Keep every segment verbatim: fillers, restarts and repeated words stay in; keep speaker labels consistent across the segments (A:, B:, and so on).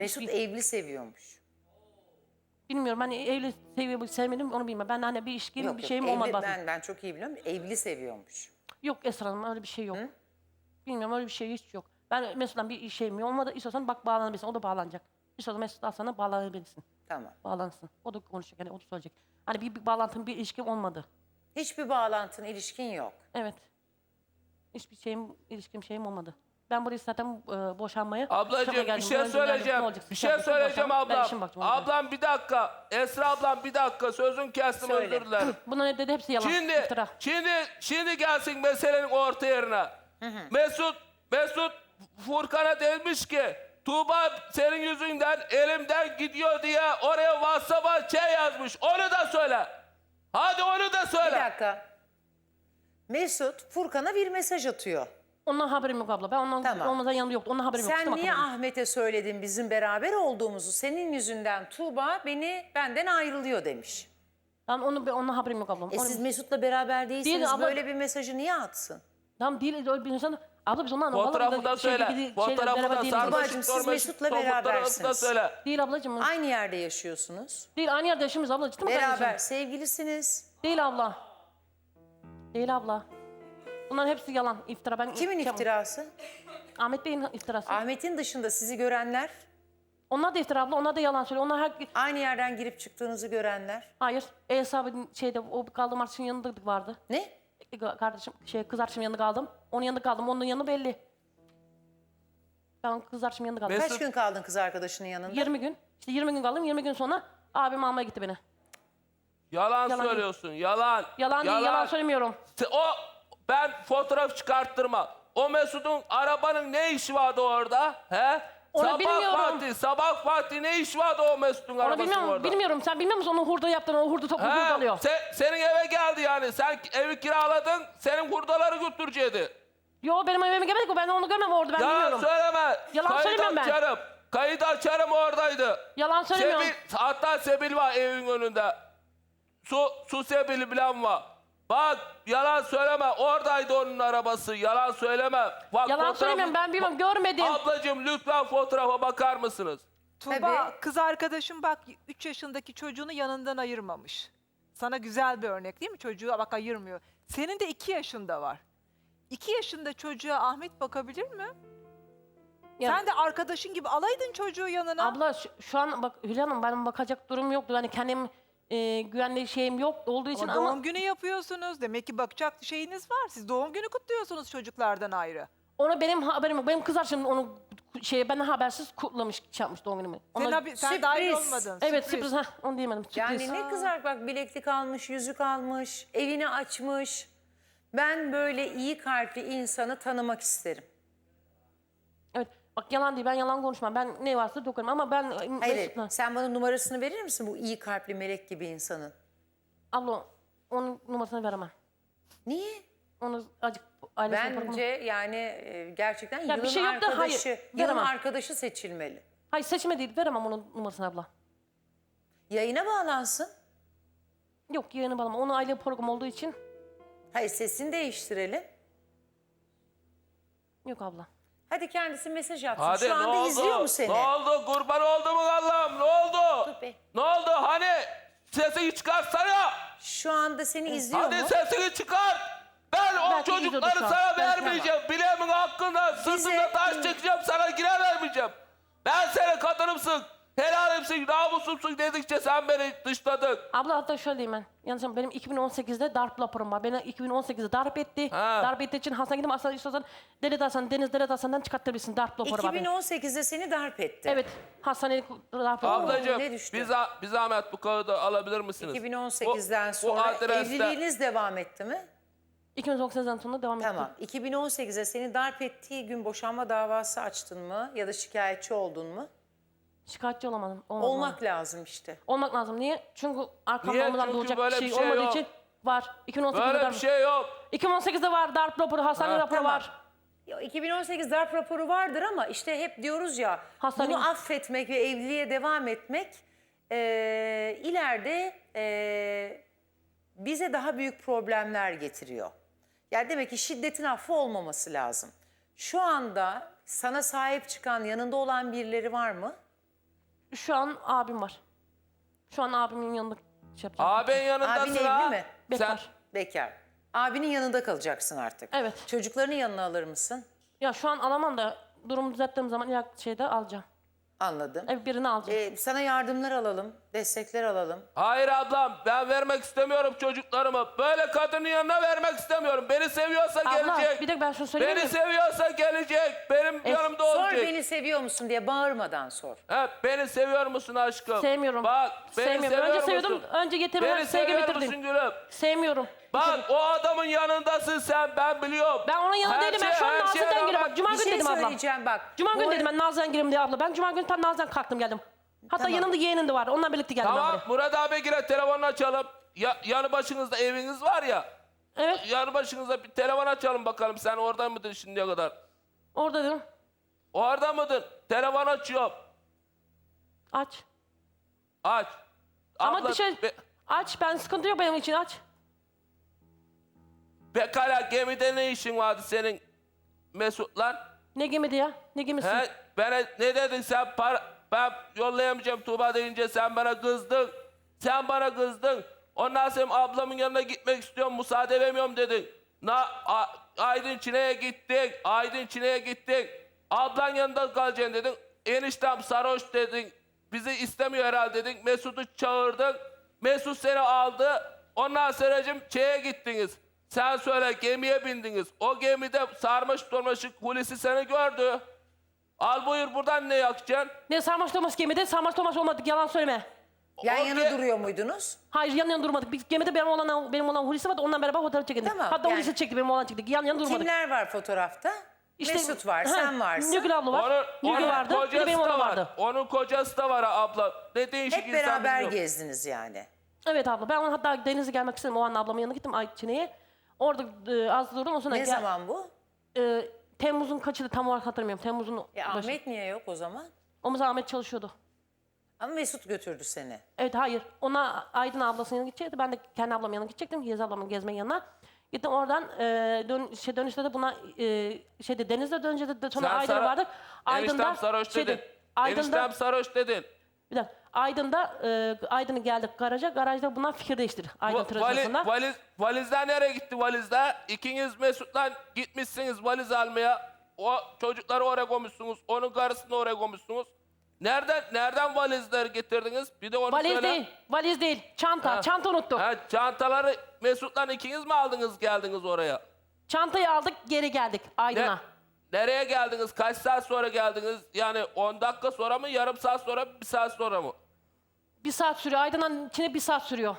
A: Mesut
B: Hiçbir-
A: evli seviyormuş.
B: Bilmiyorum hani evli seviyor sevmedim onu bilmem. Ben de hani bir ilişkim
A: Yok
B: bir
A: yok
B: şeyim
A: evli,
B: olmadı.
A: ben, ben çok iyi biliyorum. Evli seviyormuş.
B: Yok Esra Hanım öyle bir şey yok.
A: Hı?
B: Bilmiyorum öyle bir şey hiç yok. Ben Mesut'tan bir şeyim olmadı. İstiyorsan bak bağlanabilirsin. O da bağlanacak. İstiyorsan Mesut'tan sana bağlanabilirsin.
A: Tamam.
B: Bağlansın. O da konuşacak. Yani o da söyleyecek. Hani bir, bir bağlantım bir ilişkim olmadı.
A: Hiçbir bağlantın, ilişkin yok.
B: Evet. Hiçbir şeyim, ilişkim şeyim olmadı. Ben buraya zaten e, boşanmaya...
C: Ablacığım
B: şoka
C: bir
B: geldim.
C: şey
B: Böyle
C: söyleyeceğim.
B: ne olacak?
C: Bir
B: Siz
C: şey
B: yapın,
C: söyleyeceğim
B: boşan. Ben
C: ablam.
B: işim bakacağım, ona göre.
C: Ablam bir dakika. Esra ablam bir dakika. Sözün kestim
A: Söyle.
C: özür dilerim.
B: Bunların hep dedi hepsi yalan.
C: Şimdi,
B: iftira.
C: şimdi, şimdi gelsin meselenin orta yerine. Mesut, Mesut Furkan'a demiş ki Tuğba senin yüzünden elimden gidiyor diye oraya WhatsApp'a şey yazmış. Onu da söyle. Hadi onu da
A: Bir
C: söyle.
A: dakika. Mesut Furkan'a bir mesaj atıyor.
B: Ondan haberim yok abla. Ben ondan
A: Tamam.
B: olmadan yanında yoktu. Ondan haberim yok.
A: Sen
B: Kusura
A: niye
B: bakma.
A: Ahmet'e söyledin bizim beraber olduğumuzu? Senin yüzünden Tuğba beni benden ayrılıyor demiş.
B: Tamam onu, ondan haberim yok ablam.
A: E
B: Onu-
A: siz Mesut'la beraber değilsiniz.
B: Değil abla.
A: Böyle bir mesajı niye atsın?
B: Tamam değil öyle bir insan. Abla biz ondan
C: Fotoğrafı da
B: şey,
C: söyle.
B: şey,
C: Fotoğrafı da
B: değiliz.
A: Babacığım,
C: sarmaşık
A: siz
C: sormaşık
A: Mesut'la
C: son fotoğrafı da
A: berabersiniz.
C: söyle.
B: Değil ablacığım.
A: Aynı yerde yaşıyorsunuz.
B: Değil aynı yerde yaşıyoruz abla. Ciddi mi
A: Beraber
B: kardeşim?
A: sevgilisiniz.
B: Değil abla. Değil abla. Bunların hepsi yalan, iftira. Ben
A: Kimin
B: şey-
A: iftirası?
B: Ahmet Bey'in iftirası.
A: Ahmet'in dışında sizi görenler,
B: Onlar da iftira abla, onlar da yalan söylüyor. Onlar her...
A: aynı yerden girip çıktığınızı görenler.
B: Hayır, Enes abinin şeyde, o kaldığım arkadaşın yanında vardı.
A: Ne?
B: E, Kardeşim, şey, kız arkadaşımın yanında kaldım. Onun yanında kaldım, onun yanı belli. Ben kız arkadaşımın yanında kaldım.
C: Mesut-
A: Kaç gün kaldın kız arkadaşının yanında?
B: yirmi gün. İşte yirmi gün kaldım, yirmi gün sonra abim almaya gitti beni.
C: Yalan,
B: Yalan.
C: söylüyorsun. Yalan.
B: Yalan, değil, yalan söylemiyorum.
C: Se- O ben fotoğraf çıkarttırma. O Mesut'un arabanın ne işi vardı orada? He?
B: Onu
C: sabah
B: bilmiyorum.
C: vakti, sabah vakti ne işi vardı o Mesut'un
B: Onu
C: arabasının
B: bilmiyorum,
C: orada?
B: bilmiyorum. Sen bilmiyor musun onun hurda yaptığını, o hurda toplu hurda
C: He?
B: alıyor.
C: Se- senin eve geldi yani. Sen evi kiraladın, senin hurdaları götürecekti.
B: Yo benim evime gelmedik o, ben onu görmem orada, ben
C: Yalan
B: bilmiyorum.
C: söyleme.
B: Yalan
C: Kayıt
B: söylemiyorum ben.
C: açarım. Kayıt açarım oradaydı.
B: Yalan söylemiyorum.
C: Sebil, hatta Sebil var evin önünde. Su, su Sebil bilen var. Bak yalan söyleme. Oradaydı onun arabası. Yalan söyleme. Bak,
B: Yalan
C: fotoğrafı-
B: söylemiyorum, ben bilmiyorum, görmedim.
C: Ablacığım lütfen fotoğrafa bakar mısınız?
D: Tuğba
A: Tabii.
D: kız arkadaşım bak üç yaşındaki çocuğunu yanından ayırmamış. Sana güzel bir örnek değil mi? Çocuğu bak ayırmıyor. Senin de iki yaşında var. iki yaşında çocuğa Ahmet bakabilir mi?
B: Ya-
D: Sen de arkadaşın gibi alaydın çocuğu yanına.
B: Abla şu, şu an bak Hülya Hanım, benim bakacak durum yoktu. Hani kendim e, güvenli şeyim yok olduğu için
D: ama
B: ama,
D: doğum günü yapıyorsunuz. Demek ki bakacak şeyiniz var. Siz doğum günü kutluyorsunuz çocuklardan ayrı.
B: onu benim haberim yok. Benim kız arkadaşım onu şeye benden habersiz kutlamış, şey yapmış doğum günümü.
D: Sen,
B: Ona-
D: habi- sen
A: Sürpriz.
D: dahil olmadın.
B: evet sürpriz, ha onu diyemedim. Sürpriz.
A: Yani ne kızar bak, bileklik almış, yüzük almış, evini açmış. Ben böyle iyi kalpli insanı tanımak isterim.
B: Evet bak yalan değil, ben yalan konuşmam. Ben ne varsa dokunmam ama ben...
A: Hayır,
B: Mesut'la-
A: sen bana numarasını verir misin bu iyi kalpli melek gibi insanın?
B: Abla onun numarasını veremem.
A: Niye?
B: Onu acık ailesine bırakmam.
A: Bence yani e, gerçekten
B: Ya bir
A: yılın
B: şey yok da hayır,
A: arkadaşı, yılın
B: veremem.
A: arkadaşı seçilmeli.
B: Hayır seçme değil, veremem onun numarasını abla.
A: Yayına bağlansın.
B: Yok yayını bağlama. Onun aile program olduğu için
A: Hayır, sesini değiştirelim.
B: yok abla.
A: Hadi kendisi mesaj atsın.
C: Hadi
A: Şu
C: ne
A: anda
C: oldu?
A: izliyor mu seni?
C: Ne oldu? Kurban oldu mu Allah'ım? Ne oldu?
A: Dur be.
C: Ne oldu? Hani sesini çıkarsana.
A: Şu anda seni izliyor
C: Hadi
A: mu?
C: sesini çıkar. Ben o
B: Belki
C: çocukları
B: izliyordur şu an.
C: sana
B: Belki
C: vermeyeceğim. Bileğimin hakkında sırtımda taş çekeceğim. Sana gire vermeyeceğim. Ben senin kadınımsın. Helalimsin, namusumsun dedikçe sen beni dışladın.
B: Abla hatta şöyle diyeyim ben. Yanlış benim iki bin on sekizde darp raporum var. Beni iki bin on sekizde darp etti.
C: Ha.
B: Darp ettiği için hastaneye gittim. Aslında istiyorsan Devlet Hastanı, Deniz Devlet Hastanı'ndan çıkartabilirsin. Darp raporu var benim.
A: iki bin on sekizde seni darp etti.
B: Evet. Hastaneye darp raporu var.
C: Ablacığım
A: ne düştü?
C: bir, za- bir zahmet bu kağıdı alabilir misiniz?
A: iki bin on sekizden
C: Bu- bu
A: sonra
C: adreste-
A: evliliğiniz devam etti mi?
B: iki bin on sekizden sonra devam
A: Tamam.
B: etti.
A: iki bin on sekize seni darp ettiği gün boşanma davası açtın mı? Ya da şikayetçi oldun mu?
B: Şikayetçi olamadım. Olmadım.
A: Olmak lazım işte.
B: Olmak lazım. Niye? Çünkü arkamda
C: Niye?
B: olmadan
C: Çünkü
B: olacak
C: böyle
B: bir şey,
C: bir şey
B: olmadığı
C: yok.
B: için var. iki bin on sekizde
C: Böyle
B: darp.
C: bir şey yok.
B: iki bin on sekizde var darp raporu, hastane
C: Ha,
B: raporu
A: tamam.
B: var.
A: Ya iki bin on sekiz darp raporu vardır ama işte hep diyoruz ya,
B: Hastane-
A: bunu affetmek ve evliliğe devam etmek eee, ileride eee, bize daha büyük problemler getiriyor. Yani demek ki şiddetin affı olmaması lazım. Şu anda sana sahip çıkan, yanında olan birileri var mı?
B: Şu an abim var. Şu an abimin yanında şey yapacağım.
C: Abin
A: Abin
C: yanındasın
A: evli
C: ha.
A: mi?
B: Bekar.
C: Sen
A: Bekar. Abinin yanında kalacaksın artık.
B: Evet.
A: Çocuklarını yanına alır mısın?
B: Ya şu an alamam da durumu düzelttiğim zaman ilk şeyde alacağım.
A: Anladım.
B: Ev birini alacağım.
A: Ee, sana yardımlar alalım, destekler alalım.
C: Hayır ablam, ben vermek istemiyorum çocuklarımı. Böyle kadının yanına vermek istemiyorum. Beni seviyorsa
B: Abla
C: gelecek.
B: bir de ben şunu söyleyeyim
C: Beni
B: mi?
C: seviyorsa gelecek. Benim yanımda
A: Sor
C: olacak.
A: beni seviyor musun diye bağırmadan sor.
C: He, beni seviyor musun aşkım?
B: Sevmiyorum.
C: Bak, beni
B: Sevmiyorum.
C: seviyor
B: Önce
C: musun?
B: seviyordum. Önce getirmeden
C: Beni
B: sevgi
C: seviyor
B: bitirdin.
C: musun gülüm?
B: Sevmiyorum.
C: Bak, o adamın yanındasın sen, ben biliyorum.
B: Ben onun yanında
C: Her
B: değilim. Ben
C: şey-
B: şu an
C: her şeye
B: Nazlı'dan geliyorum.
C: rağmen-
B: Bak, Cuma
A: Bir
B: günü
A: şey
B: dedim abla.
A: söyleyeceğim bak.
B: Cuma
A: Bu
B: günü
A: arada-
B: dedim ben Nazlı'dan girelim diye abla. Ben Cuma günü tam Nazlı'dan kalktım geldim. Hatta
A: Tamam.
B: yanımda yeğenim de var. Onunla birlikte geldim ben
C: Tamam,
B: buraya.
C: Murat abi gire telefonunu açalım. Ya, yanı başınızda eviniz var ya.
B: Evet.
C: Yanı başınızda bir telefon açalım bakalım. Sen orada mıydın şimdiye kadar?
B: Orada dedim.
C: Orada mıydın? Telefon açıyorum.
B: Aç.
C: Aç.
B: Ama
C: Abla,
B: dışarı...
C: Be,
B: Aç. Ben sıkıntı yok benim için aç.
C: pekala gemide ne işin vardı senin Mesut'la?
B: Ne gemidi ya? Ne gemisi?
C: He, bana ne dedin sen? Para, ben yollayamayacağım Tuğba deyince sen bana kızdın. Sen bana kızdın. Ondan sonra ablamın yanına gitmek istiyorum, müsaade vermiyorum dedin. Na, A, Aydın Çine'ye gittik. Aydın Çine'ye gittik. Ablan yanında kalacaksın dedin. Eniştem sarhoş dedin. Bizi istemiyor herhalde dedin. Mesut'u çağırdın. Mesut seni aldı. Ondan sonracığım şeye gittiniz. Sen söyle, gemiye bindiniz. O gemide sarmaş dolmaşık Hulusi seni gördü. Al buyur, buradan ne yakacaksın?
B: Ne sarmaş Thomas gemide? Sarmaş Thomas olmadık. Yalan söyleme.
A: Yan
C: O
A: yana
C: ge-
A: duruyor muydunuz?
B: Hayır yan yana durmadık. Biz gemide benim olan benim olan Hulusi vardı. Ondan beraber fotoğraf çekindik.
A: Tamam,
B: Hatta
A: yani-
B: Hulusi çekti benim olan çektik. Yan yana durmadık.
A: Kimler var fotoğrafta?
B: İşte-
A: Mesut var,
B: Ha,
A: sen varsın.
B: Nurgül abla var.
C: Onun,
B: Nurgül
C: onun
B: vardı. Bir de
C: kocası
B: benim
C: da
B: olan
C: var.
B: vardı.
C: Onun kocası da var abla. Ne değişik
A: Hep
C: insan
A: beraber
C: bilmiyorum.
A: gezdiniz yani.
B: Evet abla. Ben ona hatta Deniz'e gelmek istedim. O an ablamın yanına gittim Ayçine'ye. Orada e, az durdum. O sonra
A: Ne
B: gel-
A: zaman bu?
B: e, Temmuz'un kaçıydı tam olarak hatırlamıyorum. Temmuz'un
A: E,
B: başı.
A: Ahmet niye yok o zaman?
B: O zaman Ahmet çalışıyordu.
A: Ama Mesut götürdü seni.
B: Evet hayır. Ona Aydın ablasının yanına gidecekti. Ben de kendi ablamın yanına gidecektim. Yez ablamın gezmenin yanına. Gittim oradan e, dön, şey, dönüşte de buna e, şeyde Deniz'de dönünce de sonra
C: Sen
B: Aydın'a
C: Sara-
B: vardık.
C: Eniştem sarhoş
B: şeyde,
C: dedin.
B: Aydın'da,
C: Eniştem sarhoş dedin.
B: bir dakika, Aydın'da e, Aydın'a geldik garaja. Garajda bunlar fikir değiştirdi. Aydın
C: Va-
B: trafiğinde.
C: vali, valiz, valizler nereye gitti valizler? İkiniz Mesut'la gitmişsiniz valiz almaya. O çocukları oraya koymuşsunuz. Onun karısını oraya koymuşsunuz. Nereden nereden valizler getirdiniz? Bir de onu
B: Valiz
C: söyle.
B: değil. Valiz değil. Çanta.
C: Ha.
B: Çanta unuttuk.
C: Ha, çantaları Mesut'la ikiniz mi aldınız geldiniz oraya?
B: Çantayı aldık geri geldik
C: Ne,
B: Aydın'a.
C: nereye geldiniz? Kaç saat sonra geldiniz? Yani on dakika sonra mı? Yarım saat sonra mı? Bir saat sonra mı?
B: Bir saat sürüyor. Aydın'ın içine bir saat sürüyor.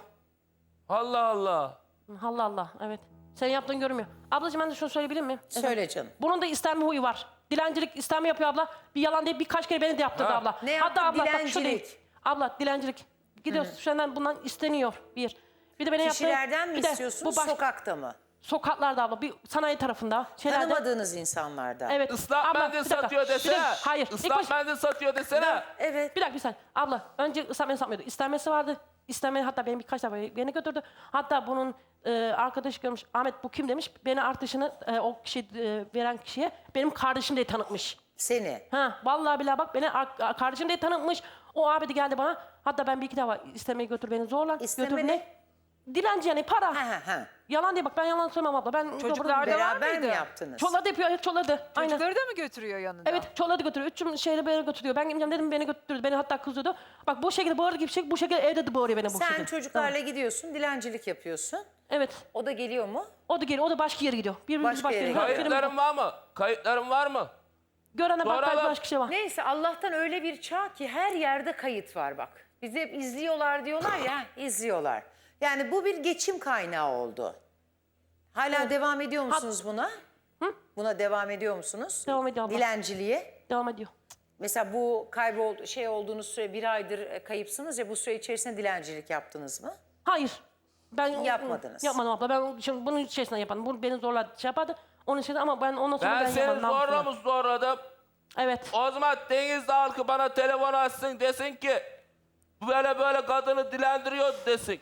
C: Allah Allah.
B: Allah Allah evet. Senin yaptığın görünmüyor. Ablacığım ben de şunu söyleyebilir miyim?
A: Söyle canım.
B: Bunun da istenme huyu var. Dilencilik istenme yapıyor abla. Bir yalan değil birkaç kere beni de yaptırdı
C: Ha.
B: abla.
A: Ne yaptı?
B: Hatta abla bak şu
A: Dilencilik.
B: değil. Abla dilencilik. Gidiyorsun senden bundan isteniyor bir. Bir de beni yaptı.
A: Kişilerden mi
B: bir de
A: istiyorsunuz,
B: bu baş-
A: sokakta mı?
B: Sokaklarda abla. Bir sanayi tarafında. Şeylerde.
A: Tanımadığınız insanlardan.
B: Evet.
C: Islak
B: Abla,
C: mendil
B: bir dakika.
C: satıyor
B: Bir dakika.
C: desene.
B: Hayır. ilk
C: Islak
B: baş-
C: mendil satıyor desene.
A: Evet.
B: Bir dakika bir saniye. Abla önce ıslah mendil satmıyordu. İstenmesi vardı. İstenme hatta beni birkaç defa beni götürdü. Hatta bunun e, arkadaşı görmüş. Ahmet bu kim demiş. Beni artışını e, o kişi e, veren kişiye benim kardeşim diye tanıtmış.
A: Seni.
B: Ha vallahi billahi bak beni ar- kardeşim diye tanıtmış. O abi de geldi bana. Hatta ben bir iki defa istemeye götür beni zorla.
A: İsteme
B: götür
A: ne?
B: Dilenci yani para.
A: Ha ha ha.
B: Yalan diye bak ben yalan söylemem abla. Ben
D: Çocuklar da var
A: Beraber mi
D: mıydı?
A: yaptınız?
B: Çoladı yapıyor. Evet çoladı. Aynen.
D: Çocukları da mı götürüyor yanında?
B: Evet çoladı götürüyor. Üçüm şeyle beni götürüyor. Ben gideceğim dedim beni götürdü. Beni hatta kızıyordu. Bak bu şekilde bağırdı gibi şey. Bu şekilde evde de bağırıyor beni bu
A: Sen
B: şekilde.
A: çocuklarla gidiyorsun, dilencilik yapıyorsun.
B: Evet.
A: O da geliyor mu?
B: O da geliyor. O da başka yere gidiyor. Birbirimiz
A: Başka
B: başka,
A: yere
B: yere gidiyor.
A: gidiyor.
C: Kayıtların var mı? Kayıtların var mı?
B: Görene bak
C: Soralım.
B: başka şey var.
A: Neyse Allah'tan öyle bir çağ ki her yerde kayıt var bak. Bizi hep izliyorlar diyorlar ya, izliyorlar. Yani bu bir geçim kaynağı oldu. Hala devam ediyor musunuz buna? Buna devam ediyor musunuz?
B: Devam ediyor abla.
A: Dilenciliğe.
B: Devam ediyor.
A: Mesela bu kayboldu şey olduğunuz süre bir aydır e, kayıpsınız ya bu süre içerisinde dilencilik yaptınız mı?
B: Hayır. Ben
A: Yapmadınız.
B: Yapmadım abla. Ben şimdi bunun içerisinden yapardım. Bunu beni zorla şey yapardı. Onun için ama ben ondan sonra
C: Ben
B: ben,
C: seni
B: yapardım.
C: zorla
B: namusumla.
C: mı zorladım?
B: Evet.
C: O zaman Denizli halkı bana telefon açsın desin ki böyle böyle kadını dilendiriyor desin.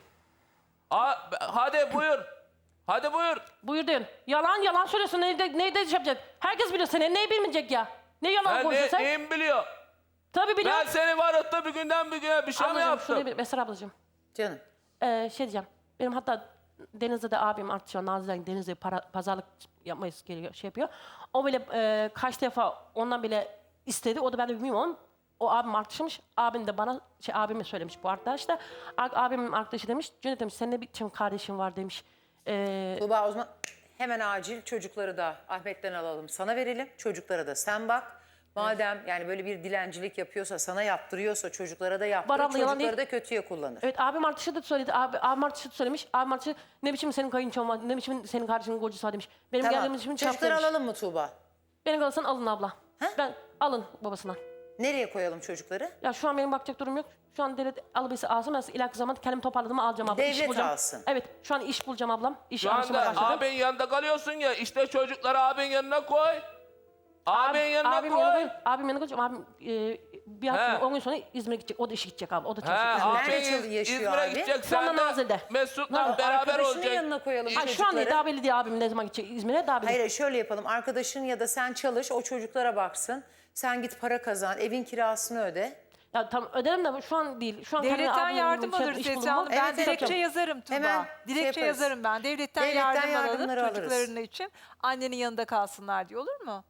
C: Ha- hadi buyur. Hadi buyur.
B: Buyur diyorsun. Yalan yalan söylüyorsun. Neyde, neyde şey yapacak? Herkes biliyor seni. Neyi bilmeyecek ya? Ne yalan
C: Ben
B: konuşuyorsun
C: ne,
B: sen?
C: neyim biliyor?
B: Tabii biliyorum.
C: Ben seni varıp da bir günden bir güne bir şey mi
B: Ablacığım
C: yaptım?
B: şöyle bir Mesela ablacığım.
A: Canım.
B: Ee, şey diyeceğim. Benim hatta Deniz'de de abim artık şu an Nazlı'dan Deniz'de para, pazarlık yapmayı geliyor, şey yapıyor. O bile e, kaç defa ondan bile istedi. O da ben de bilmiyorum. O abim arkadaşıymış. Abim de bana, şey abime söylemiş bu arkadaş da. A- abimin arkadaşı demiş. Cüneyt demiş senin ne biçim kardeşin var demiş. Ee,
A: Tuğba o zaman hemen acil çocukları da Ahmet'ten alalım. Sana verelim. Çocuklara da sen bak. Madem yani böyle bir dilencilik yapıyorsa, sana yaptırıyorsa çocuklara da yaptır.
B: Var abla, yalan
A: Çocukları
B: değil.
A: da kötüye kullanır.
B: Evet abim arkadaşı da söyledi. Abi, abim arkadaşı da söylemiş. Abim arkadaşı ne biçim senin kayınçon var, ne biçim senin kardeşinin kocası var demiş. Benim
A: Tamam.
B: geldiğim için
A: Çocukları
B: çarptırmış.
A: alalım mı Tuğba?
B: Beni kalırsan alın abla.
A: Ha?
B: Ben alın babasından.
A: Nereye koyalım çocukları?
B: Ya şu an benim bakacak durum yok. Şu an devlet alıbıysa alsın. Ben ileriki zaman kendimi toparladım alacağım abla. İş
A: Devlet
B: bulacağım.
A: alsın.
B: Evet şu an iş bulacağım ablam. İş
C: Şu
B: arayışıma
C: anda
B: başladım.
C: abin yanında kalıyorsun ya, işte çocukları abin yanına koy. Abin yanına
B: abim
C: koy.
B: yanına, abim yanına koyacağım. Abim e, bir
C: He.
B: hafta on gün sonra İzmir'e gidecek. O da işe gidecek abi. O da
C: He,
B: çalışacak.
C: abin
A: Nerede
C: İz-
A: yaşıyor
C: İzmir'e
A: abi?
C: gidecek.
B: Şu anda
C: Sen de
B: Nazilli'de.
C: Mesut'la beraber
A: Arkadaşının
C: olacak.
A: yanına koyalım
B: Ay, şu an
A: çocukları.
B: değil. Daha belli değil abim ne zaman gidecek İzmir'e. Daha belli.
A: Hayır şöyle yapalım. Arkadaşın ya da sen çalış, o çocuklara baksın. Sen git para kazan, evin kirasını öde.
B: Ya tam öderim de şu an değil. Şu an kendime
D: Devletten
B: abimin
D: yardım
B: şey-
D: alırız
B: iş
D: Esra
B: bulunma.
D: Hanım. Ben
A: Evet,
D: dilekçe
A: evet.
D: yazarım Tuba.
A: Hemen şey
D: dilekçe
A: yaparız.
D: yazarım ben. Devletten,
A: Devletten
D: yardım alalım
A: yardımları alırız.
D: çocuklarını için. Annenin yanında kalsınlar diye olur mu?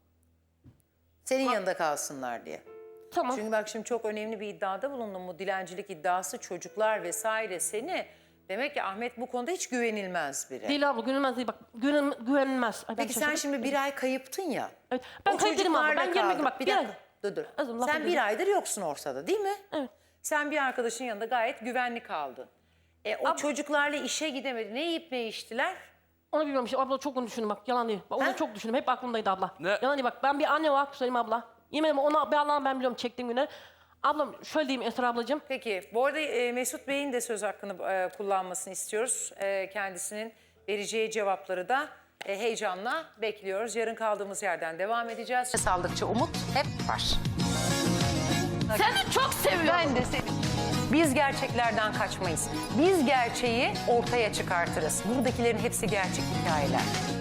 A: Senin yanında kalsınlar diye.
B: Tamam.
A: Çünkü bak şimdi çok önemli bir iddiada bulundum. Bu dilencilik iddiası, çocuklar vesaire seni. Demek ki Ahmet bu konuda hiç güvenilmez biri.
B: Değil abla güvenilmez değil. Bak güven, güvenilmez. Ay, ben
A: Peki sen
B: şaşırdım.
A: şimdi bir ay kayıptın ya.
B: Evet. Ben
A: O
B: kayıp değilim abla.
A: çocuklarla
B: Ben yirmi gün
A: kaldın.
B: bak.
A: Bir
B: Bir ay.
A: dakika dur dur.
B: Azım, laf
A: Sen
B: edeyim.
A: bir aydır yoksun ortada değil mi?
B: Evet.
A: Sen bir arkadaşın yanında gayet güvenli kaldın. E, o çocuklarla işe gidemedi. Ne yiyip ne içtiler?
B: Onu bilmiyorum işte abla çok onu düşündüm bak yalan değil. Bak,
A: Ha?
B: onu çok düşündüm hep aklımdaydı abla.
C: Ne?
B: Yalan değil bak ben bir anne olarak söyleyeyim abla. Yemin ederim ona bir Allah'ım ben biliyorum çektiğim günler. Ablam şöyle diyeyim Esra ablacığım.
A: Peki bu arada e, Mesut Bey'in de söz hakkını e, kullanmasını istiyoruz. E, kendisinin vereceği cevapları da e, heyecanla bekliyoruz. Yarın kaldığımız yerden devam edeceğiz. Saldıkça umut hep var.
E: Seni çok seviyorum.
A: Ben de seni. Biz gerçeklerden kaçmayız. Biz gerçeği ortaya çıkartırız. Buradakilerin hepsi gerçek hikayeler.